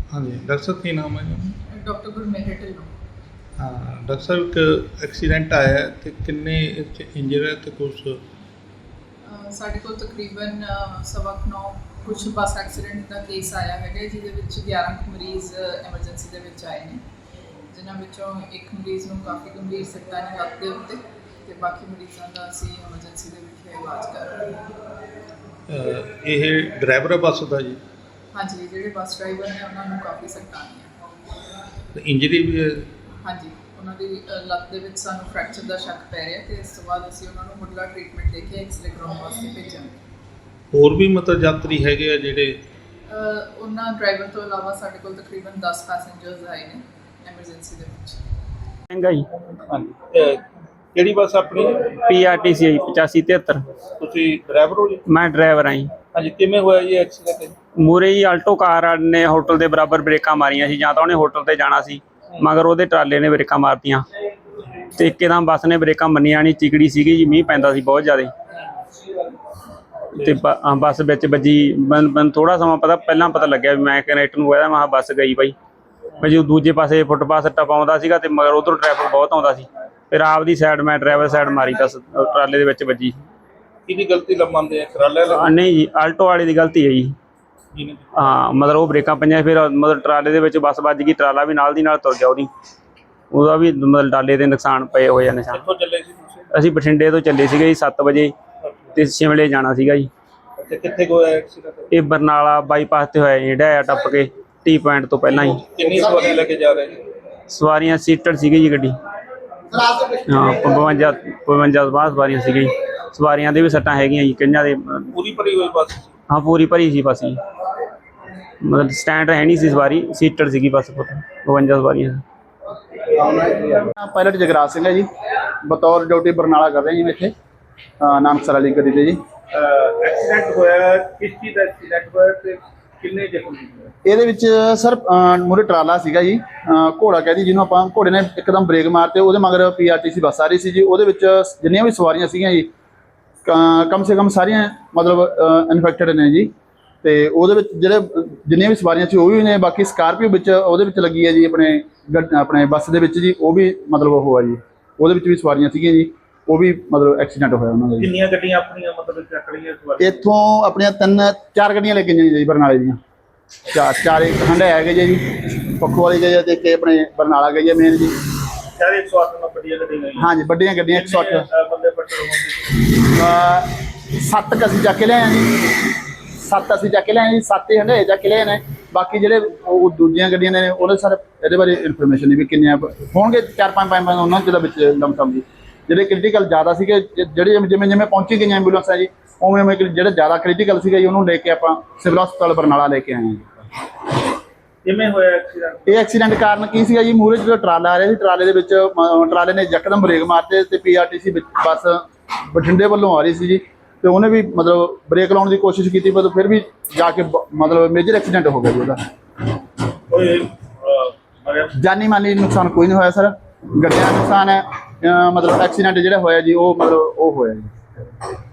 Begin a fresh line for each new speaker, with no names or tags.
हाँ जी, डॉक्टर साहब की नाम है जी?
डॉक्टर गुरमेहर ढिल्लों।
हाँ डॉक्टर साहब एक एक्सीडेंट आया है तो किन्ने इंजर है तो कुछ
ਸਾਡੇ ਕੋਲ ਤਕਰੀਬਨ 9:15 ਕੁਛ ਬੱਸ ਐਕਸੀਡੈਂਟ ਦਾ ਕੇਸ ਆਇਆ ਹੈਗਾ ਜਿਹਦੇ ਵਿੱਚ 11 ਕੁ ਮਰੀਜ਼ ਐਮਰਜੈਂਸੀ ਦੇ ਵਿੱਚ ਆਏ ਨੇ, ਜਿਨ੍ਹਾਂ ਵਿੱਚੋਂ ਇੱਕ ਮਰੀਜ਼ ਨੂੰ ਕਾਫੀ ਗੰਭੀਰ ਸੱਟਾਂ ਨੇ ਲੱਤ ਦੇ ਉੱਤੇ ਤੇ ਬਾਕੀ ਮਰੀਜ਼ਾਂ ਦਾ ਅਸੀਂ ਐਮਰਜੈਂਸੀ ਦੇ ਵਿੱਚ ਇਲਾਜ ਕਰ ਰਹੇ ਹਾਂ।
ਇਹ ਡਰਾਈਵਰ ਹੈ ਬੱਸ ਦਾ ਜੀ?
ਹਾਂਜੀ, ਜਿਹੜੇ ਬੱਸ ਡਰਾਈਵਰ ਨੇ ਉਹਨਾਂ ਨੂੰ ਕਾਫੀ ਸੱਟਾਂ ਆਈਆਂ।
ਇੰਜਰੀ ਵੀ ਹੈ?
ਹਾਂਜੀ, ਉਹਨਾਂ ਦੀ ਲੱਤ ਦੇ ਵਿੱਚ ਸਾਨੂੰ ਫ੍ਰੈਕਚਰ ਦਾ ਸ਼ੱਕ ਪੈ ਰਿਹਾ ਤੇ ਇਸ ਤੋਂ ਬਾਅਦ ਅਸੀਂ ਉਹਨਾਂ ਨੂੰ ਮੁੱਢਲਾ ਟ੍ਰੀਟਮੈਂਟ ਦੇ ਕੇ ਐਕਸਰੇ ਕਰਾਉਣ ਵਾਸਤੇ ਭੇਜਾਂਗੇ।
ਹੋਰ ਵੀ ਮਤਲਬ ਯਾਤਰੀ ਹੈਗੇ ਆ ਜਿਹੜੇ?
ਉਹਨਾਂ ਡਰਾਈਵਰ ਤੋਂ ਇਲਾਵਾ ਸਾਡੇ ਕੋਲ ਤਕਰੀਬਨ 10 ਪੈਸੇਂਜਰਸ ਆਏ ਨੇ ਐਮਰਜੈਂਸੀ ਦੇ ਵਿੱਚ।
ਮਹਿੰਗਾ ਜੀ।
ਹਾਂਜੀ, ਕਿਹੜੀ ਬੱਸ ਆਪਣੀ?
PRTC 8573।
ਤੁਸੀਂ ਡਰਾਈਵਰ ਹੋ ਜੀ?
ਮੈਂ ਡਰਾਈਵਰ ਹਾਂ ਜੀ।
ਹਾਂਜੀ, ਕਿਵੇਂ ਹੋਇਆ ਜੀ ਐਕਸੀਡੈਂਟ?
ਮੂਰੇ ਹੀ ਆਲਟੋ ਕਾਰ ਨੇ ਹੋਟਲ ਦੇ ਬਰਾਬਰ ਬ੍ਰੇਕਾਂ ਮਾਰੀਆਂ ਸੀ, ਜਾਂ ਤਾਂ ਉਹਨੇ ਹੋਟਲ ਤੇ ਜਾਣਾ ਸੀ ਮਗਰ ਉਹਦੇ ਟਰਾਲੇ ਨੇ ਬ੍ਰੇਕਾਂ ਮਾਰਤੀਆਂ ਤੇ ਇੱਕਦਮ ਬੱਸ ਨੇ ਬ੍ਰੇਕਾਂ ਮੰਨੀਆਂ ਨਹੀਂ, ਚਿਕੜੀ ਸੀਗੀ ਜੀ, ਮੀਂਹ ਪੈਂਦਾ ਸੀ ਬਹੁਤ ਜ਼ਿਆਦਾ ਤੇ ਬੱਸ ਵਿੱਚ ਵੱਜੀ। ਮੈਨੂੰ ਥੋੜਾ ਸਮਾਂ ਪਹਿਲਾਂ ਪਤਾ ਲੱਗਿਆ ਵੀ ਮੈਂ ਕਨੈਕਟਰ ਨੂੰ ਕਹਿੰਦਾ ਮੈਂ ਬੱਸ ਗਈ ਬਾਈ। ਮੈਂ ਜੋ ਦੂਜੇ ਪਾਸੇ ਫੁੱਟਪਾਥ ਟਪਾਉਂਦਾ ਸੀਗਾ ਤੇ ਮਗਰ ਉਧਰੋਂ ਟ੍ਰੈਫਿਕ ਬਹੁਤ ਆਉਂਦਾ ਸੀ, ਫਿਰ ਆਪਦੀ ਸਾਈਡ ਮੈਂ ਡਰਾਈਵਰ ਸਾਈਡ ਮਾਰੀ ਤਾਂ ਟਰਾਲੇ ਦੇ ਵਿੱਚ ਵੱਜੀ।
ਕਿਹਦੀ ਗਲਤੀ ਮੰਨਦੇ ਆ? ਟਰਾਲੇ ਵਾਲੇ?
ਨਹੀਂ ਜੀ, ਆਲਟੋ ਵਾਲੇ ਦੀ ਗਲਤੀ ਹੈ ਜੀ। ਹਾਂ, ਮਤਲਬ ਉਹ ਬ੍ਰੇਕਾਂ ਪਈਆਂ, ਫਿਰ ਮਤਲਬ ਟਰਾਲੇ ਦੇ ਵਿੱਚ ਬੱਸ ਵੱਜ ਗਈ, ਟਰਾਲਾ ਵੀ ਨਾਲ ਦੀ ਨਾਲ ਤੁਰ ਗਿਆ, ਉਹਦਾ ਵੀ ਮਤਲਬ ਟਰਾਲੇ ਦੇ ਨੁਕਸਾਨ ਪਏ ਹੋਏ ਆ ਨਿਸ਼ਾਨ।
ਕਿੱਥੋਂ ਚੱਲੇ ਸੀ ਤੁਸੀਂ?
ਅਸੀਂ ਬਠਿੰਡੇ ਤੋਂ ਚੱਲੇ ਸੀਗੇ ਜੀ 7 ਵਜੇ ਤੇ ਸ਼ਿਮਲੇ ਜਾਣਾ ਸੀਗਾ ਜੀ।
ਅੱਛਾ, ਕਿੱਥੇ ਹੋਇਆ ਐਕਸੀਡੈਂਟ?
ਇਹ ਬਰਨਾਲਾ ਬਾਈਪਾਸ ਤੇ ਹੋਇਆ ਜੀ, ਢਾਇਆ ਟੱਪ ਕੇ ਟੀ ਪੁਆਇੰਟ ਤੋਂ ਪਹਿਲਾਂ ਹੀ।
ਕਿੰਨੀ ਸਵਾਰੀਆਂ ਲੈ ਕੇ ਜਾ ਰਹੇ ਜੀ?
ਸਵਾਰੀਆਂ ਸੀਟਡ ਸੀਗੀ ਜੀ ਗੱਡੀ। ਹਾਂ, 52 ਸਵਾਰੀਆਂ ਸੀਗੀ। ਸਵਾਰੀਆਂ ਦੇ ਵੀ ਸੱਟਾਂ ਹੈਗੀਆਂ ਜੀ ਕਈਆਂ ਦੇ।
ਪੂਰੀ ਭਰੀ ਹੋਈ ਬੱਸ?
ਹਾਂ, ਪੂਰੀ ਭਰੀ ਸੀ ਬੱਸ ਜੀ, ਮਤਲਬ ਸਟੈਂਡ ਹੈ ਨਹੀਂ ਸੀ, ਸਵਾਰੀ ਸੀਟਡ ਸੀਗੀ ਬੱਸ। 52 ਸਵਾਰੀਆਂ।
ਪਾਇਲਟ ਜਗਰਾਜ ਸਿੰਘ ਹੈ ਜੀ, ਬਤੌਰ ਡਿਊਟੀ ਬਰਨਾਲਾ ਕਰ ਰਹੇ ਜੀ ਮੈਂ ਇੱਥੇ ਨਾਨਕਸਰ ਵਾਲੀ ਗੱਡੀ ਤੇ ਜੀ।
ਐਕਸੀਡੈਂਟ ਹੋਇਆ ਕਿਸ ਚੀਜ਼ ਦਾ ਐਕਸੀਡੈਂਟ ਹੋਇਆ ਤੇ ਕਿੰਨੇ ਜ਼ਖਮੀ ਹੋਏ?
ਇਹਦੇ ਵਿੱਚ ਸਰ ਮੂਹਰੇ ਟਰਾਲਾ ਸੀਗਾ ਜੀ, ਘੋੜਾ ਕਹਿ ਦੀ ਜਿਹਨੂੰ ਆਪਾਂ। ਘੋੜੇ ਨੇ ਇੱਕਦਮ ਬ੍ਰੇਕ ਮਾਰਤੇ, ਉਹਦੇ ਮਗਰ PRTC ਬੱਸ ਆ ਰਹੀ ਸੀ ਜੀ। ਉਹਦੇ ਵਿੱਚ ਜਿੰਨੀਆਂ ਵੀ ਸਵਾਰੀਆਂ ਸੀਗੀਆਂ ਜੀ ਕਮ ਸੇ ਕਮ ਸਾਰੀਆਂ ਮਤਲਬ ਇਨਫੈਕਟਡ ਨੇ ਜੀ। ਤੇ ਉਹਦੇ ਵਿੱਚ ਜਿਹੜੇ ਜਿੰਨੀਆਂ ਵੀ ਸਵਾਰੀਆਂ ਸੀ ਉਹ ਵੀ ਨੇ, ਬਾਕੀ ਸਕਾਰਪੀਓ ਵਿੱਚ ਉਹਦੇ ਵਿੱਚ ਲੱਗੀ ਹੈ ਜੀ ਆਪਣੇ ਬੱਸ ਦੇ ਵਿੱਚ ਜੀ। ਉਹ ਵੀ ਮਤਲਬ ਉਹ ਆ ਜੀ, ਉਹਦੇ ਵਿੱਚ ਵੀ ਸਵਾਰੀਆਂ ਸੀਗੀਆਂ ਜੀ, ਉਹ ਵੀ ਮਤਲਬ ਐਕਸੀਡੈਂਟ ਹੋਇਆ ਉਹਨਾਂ ਦਾ ਜੀ।
ਕਿੰਨੀਆਂ ਗੱਡੀਆਂ ਆਪਣੀਆਂ ਮਤਲਬ ਚੱਕ ਲਈਆਂ ਸਵਾਰੀਆਂ?
ਇੱਥੋਂ ਆਪਣੀਆਂ 4 ਗੱਡੀਆਂ ਲੈ ਕੇ ਗਈਆਂ ਜੀ ਬਰਨਾਲੇ ਦੀਆਂ। ਚਾਰ ਇੱਕ ਹੰਡਾ ਹੈਗੇ ਜੀ, ਪੱਖੋ ਵਾਲੀ ਗਈ ਤੇ ਇੱਕ ਆਪਣੇ ਬਰਨਾਲਾ ਗਈ ਹੈ ਮੇਨ ਜੀ।
ਸਾਰੇ 108 ਵੱਡੀਆਂ ਗੱਡੀਆਂ?
ਹਾਂਜੀ, ਵੱਡੀਆਂ ਗੱਡੀਆਂ 108
ਬੰਦੇ ਪੱਟਰ ਹੋਣਗੇ।
7 ਅਸੀਂ ਚੱਕ ਕੇ ਲਿਆਏ ਹਾਂ ਜੀ। 7 ਅਸੀਂ ਚੱਕ ਕੇ ਲਿਆਏ ਜੀ, 7 ਹੀ ਹੰਡੇ ਚੱਕ ਕੇ ਲਿਆਏ ਨੇ। ਬਾਕੀ ਜਿਹੜੇ ਉਹ ਦੂਜੀਆਂ ਗੱਡੀਆਂ ਨੇ ਉਹਦੇ ਸਾਰੇ ਇਹਦੇ ਬਾਰੇ ਇਨਫੋਰਮੇਸ਼ਨ ਨਹੀਂ ਵੀ ਕਿੰਨੀਆਂ ਹੋਣਗੇ। 4-5 ਉਹਨਾਂ ਦੇ ਵਿੱਚ ਲਮਸਮ ਜੀ। ਜਿਹੜੇ ਕ੍ਰਿਟੀਕਲ ਜ਼ਿਆਦਾ ਸੀਗੇ, ਜਿਹੜੇ ਜਿਵੇਂ ਪਹੁੰਚੀ ਗਈਆਂ ਐਂਬੂਲੈਂਸਾਂ ਜੀ, ਉਵੇਂ ਜਿਹੜੇ ਜ਼ਿਆਦਾ ਕ੍ਰਿਟੀਕਲ ਸੀਗੇ ਜੀ ਉਹਨੂੰ ਲੈ ਕੇ ਆਪਾਂ ਸਿਵਲ ਹਸਪਤਾਲ ਬਰਨਾਲਾ ਲੈ ਕੇ ਆਏ ਹਾਂ ਜੀ।
ਕਿਵੇਂ ਹੋਇਆ ਐਕਸੀਡੈਂਟ?
ਇਹ ਐਕਸੀਡੈਂਟ ਕਾਰਨ ਕੀ ਸੀਗਾ ਜੀ, ਮੂਹਰੇ ਜਦੋਂ ਟਰਾਲਾ ਆ ਰਿਹਾ ਸੀ, ਟਰਾਲੇ ਦੇ ਵਿੱਚ ਟਰਾਲੇ ਨੇ ਯਕਦਮ ਬ੍ਰੇਕ ਮਾਰਤੇ ਤੇ PRTC ਵਿੱਚ ਬੱਸ ਬਠਿੰਡੇ ਵੱਲੋਂ ਆ ਰਹੀ ਸੀ ਜੀ, ਤੇ ਉਹਨੇ ਵੀ ਮਤਲਬ ਬ੍ਰੇਕ ਲਾਉਣ ਦੀ ਕੋਸ਼ਿਸ਼ ਕੀਤੀ, ਪਰ ਫਿਰ ਵੀ ਜਾ ਕੇ ਮਤਲਬ ਮੇਜਰ ਐਕਸੀਡੈਂਟ ਹੋ ਗਿਆ ਜੀ ਉਹਦਾ। ਜਾਨੀ ਮਾਲੀ ਨੁਕਸਾਨ ਕੋਈ ਨਹੀਂ ਹੋਇਆ ਸਰ, ਗੱਡੀਆਂ ਦਾ ਨੁਕਸਾਨ ਹੈ। ਮਤਲਬ ਐਕਸੀਡੈਂਟ ਜਿਹੜਾ ਹੋਇਆ ਜੀ ਉਹ ਮਤਲਬ ਉਹ ਹੋਇਆ ਜੀ।